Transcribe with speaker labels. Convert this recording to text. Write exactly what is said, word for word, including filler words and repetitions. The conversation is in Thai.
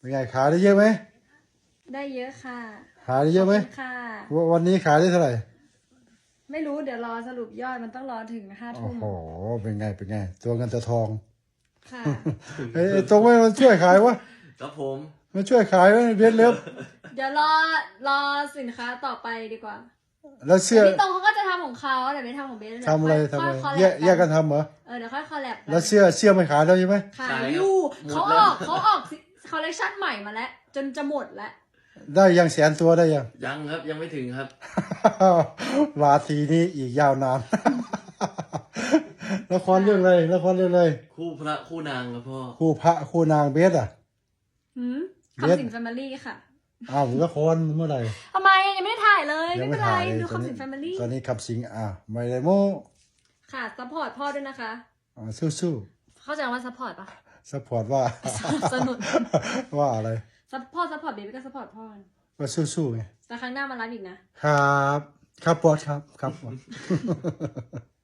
Speaker 1: เป็นไงขายได้เยอะไหม
Speaker 2: ได้เยอะค่ะ
Speaker 1: ขายได้เยอะไหม
Speaker 2: ค่ะ
Speaker 1: วันนี้ขายได้เท่าไหร่
Speaker 2: ไม่รู้เดี๋ยวรอสรุปยอดมันต้องรอถึงห้าทุ่ม
Speaker 1: โอ้โหเป็นไงเป็นไงตัวเงินตัวทอง
Speaker 2: ค่ะ
Speaker 1: ไอ้ตรงไม่มันช่วยขายวะ
Speaker 3: ครับผม
Speaker 1: มันช่วยขายไหมเบสเล็บ
Speaker 2: เดี๋ยวรอรอสินค้าต่อไปดีกว่า
Speaker 1: แล้วเสื้อ
Speaker 2: พี่ตรงเขาก็จะทำของเขาเดี๋ยวไม่ทำของเบส
Speaker 1: ทำอะไรทำอะไรแยกแยกกันทำเหรอ
Speaker 2: เออเดี๋ยวค่อยคอลแลบ
Speaker 1: แล้วเสื้อเสื้อไม่ขายแล้วใช่ไหม
Speaker 2: ขายอยู่เขาออกเขาออกคอลเลคชันใหม่มาแล้วจนจะหมดแล้ว
Speaker 1: ได้ยังแสนตัวได้ยัง
Speaker 3: ยังครับยังไม่ถึงครับ
Speaker 1: ราตรีนี้อีกยาวนานละครเรื่องอะไรละครเรื่องอะไร
Speaker 3: คู่พระคู่นางครับพ่อ
Speaker 1: คู่พระคู่นางเบสอ่ะ
Speaker 2: หืมคำสิงแฟมิลี่ค่ะ
Speaker 1: อ้าวละครเมื่อไหร่
Speaker 2: ทำไมยังไม่ได้ถ่ายเลยไม่เป็นไรดูคำสิงแฟมิลี่
Speaker 1: ตอนนี้คำสิงอ่ะไม่ได้โม
Speaker 2: ค่ะซัพพอร์ตพ่อด้วยนะคะ
Speaker 1: อ่าสู้
Speaker 2: ๆเข้าใจว่าซัพพอร์ตปะ
Speaker 1: ซัพพอร์ตว่า
Speaker 2: สนุน
Speaker 1: ว่าอะไร
Speaker 2: ซัพพอร์ตซัพพอร์ตเบบี้ก็ซัพพอร์ตพ่อ
Speaker 1: ว่าสู้ๆไง
Speaker 2: แต่ครั้งหน้ามาไลฟ์อีกนะ
Speaker 1: ครับครับบอสครับครับบอส